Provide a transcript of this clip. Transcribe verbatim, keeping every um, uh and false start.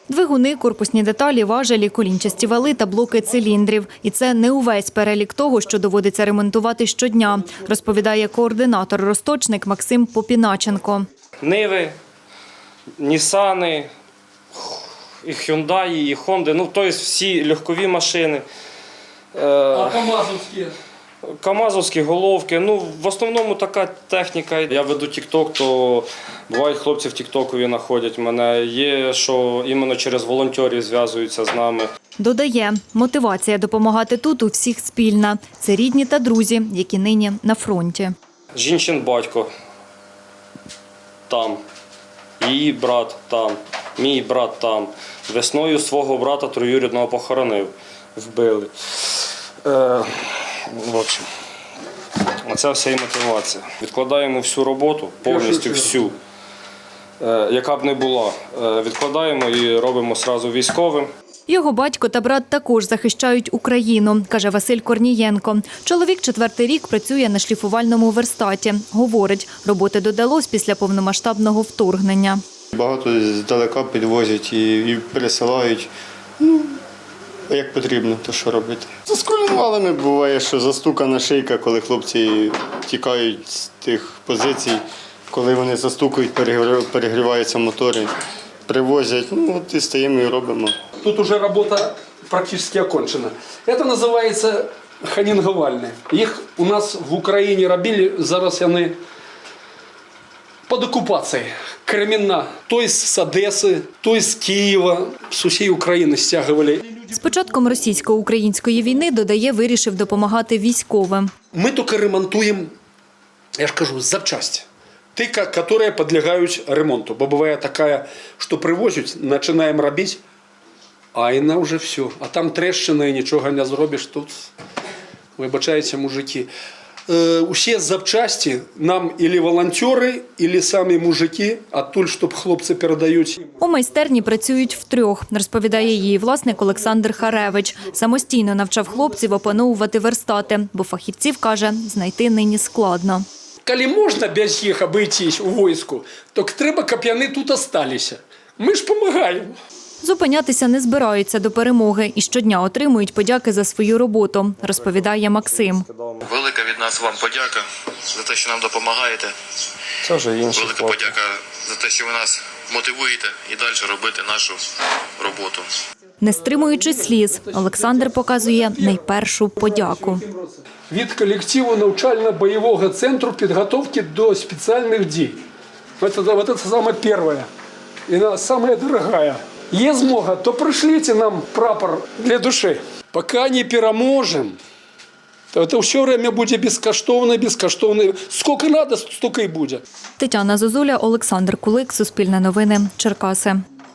Двигуни, корпусні деталі, важелі, колінчасті вали та блоки циліндрів. І це не увесь перелік того, що доводиться ремонтувати щодня, розповідає координатор-розточник Максим Попіначенко. Ниви, Нісани, і Хюндаї, і Хонди, ну, тобто всі легкові машини. А камазовські? Камазовські головки, ну, в основному така техніка. Я веду тік-ток, то бувають хлопці в тік-токові знаходять мене. Є, що іменно через волонтерів зв'язуються з нами. Додає, мотивація допомагати тут у всіх спільна. Це рідні та друзі, які нині на фронті. Жінчин батько там, її брат там, мій брат там. Весною свого брата троюрідного похоронив, вбили. Е, в общем, оце вся і мотивація. Відкладаємо всю роботу, повністю всю, е, яка б не була. Е, відкладаємо і робимо одразу військовим. Його батько та брат також захищають Україну, каже Василь Корнієнко. Чоловік четвертий рік працює на шліфувальному верстаті. Говорить, роботи додалось після повномасштабного вторгнення. Багато здалека підвозять і, і пересилають. Ну, як потрібно, то що робити. З колінвалами буває, що застукана шийка, коли хлопці тікають з тих позицій, коли вони застукають, перегріваються мотори, привозять, ну от і стаємо і робимо. Тут уже робота практично окончена. Це називається ханінгувальні. Їх у нас в Україні робили, зараз вони під окупацією. Кремінна, той з Одеси, той з Києва, з усієї України стягували. З початком російсько-української війни, додає, вирішив допомагати військовим. Ми тільки ремонтуємо, я ж кажу, запчасті. Ті, які підлягають ремонту. Бо буває така, що привозять, починаємо робити, а і на вже все. А там трещина і нічого не зробиш. Тут, вибачайте, мужики. Усі запчасті нам або волонтери, або самі мужики, а тут, щоб хлопці передають. У майстерні працюють втрьох, розповідає її власник Олександр Харевич. Самостійно навчав хлопців опановувати верстати, бо фахівців, каже, знайти нині складно. Коли можна без їх обійтись у війську, то треба, щоб вони тут залишилися. Ми ж допомагаємо. Зупинятися не збираються до перемоги і щодня отримують подяки за свою роботу, розповідає Максим. Велика від нас вам подяка за те, що нам допомагаєте. Це вже інші Велика хлопці. подяка за те, що ви нас мотивуєте і далі робити нашу роботу. Не стримуючи сліз, Олександр показує найпершу подяку. Від колективу навчально-бойового центру підготовки до спеціальних дій. Це, це саме перше і саме дороге. Є змога, то пришліть нам прапор для душі. Поки не переможемо, то це все время буде безкоштовно, безкоштовно. Скільки треба, стільки і буде. Тетяна Зозуля, Олександр Кулик, Суспільне новини, Черкаси.